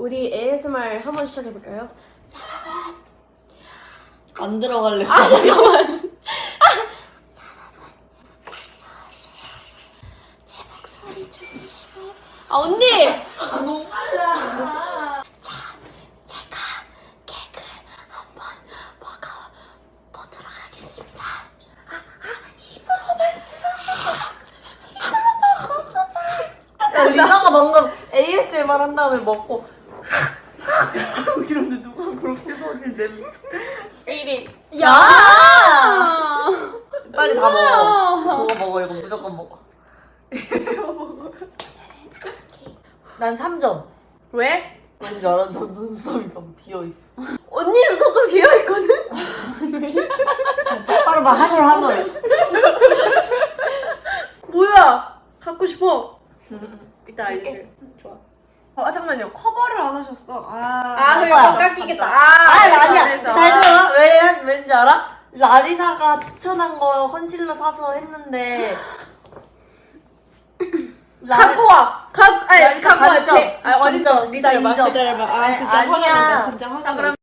우리 ASMR 한번 시작해볼까요? 안 들어갈래. 아 잠깐만. 여러분 안녕하세요. 제 목소리 들리시나요? 아 언니. 너무 빨라. 자, 제가 케이크 한번 먹어보도록 하겠습니다. 야, 리사가 방금 ASMR 한 다음에 먹고 하고 이러는데 누가 그렇게 소리를 내는 1위. 야! 빨리 다 먹어. 그거 먹어. 이거 무조건 먹어. 이거 먹어. 난 3점. 왜? 왠지 알아? 너 눈썹이 너무 비어있어. 언니는 손도 비어있거든? 똑바로 봐. 하늘. 뭐야? 갖고 싶어. 이따 알려줄게. 좋아. 아 잠깐만요. 커버를 안 하셨어. 아, 그래, 맞아. 깎이겠다. 아니야. 잘 들어. 왠지 알아? 라리사가 추천한 거 컨실러 사서 했는데 갖고 와. 갖고 와. 반점. 어딨어? 리사 기다려봐. 2점. 기다려봐. 아, 진짜 화가 아니야. 난다. 진짜 화가 난다.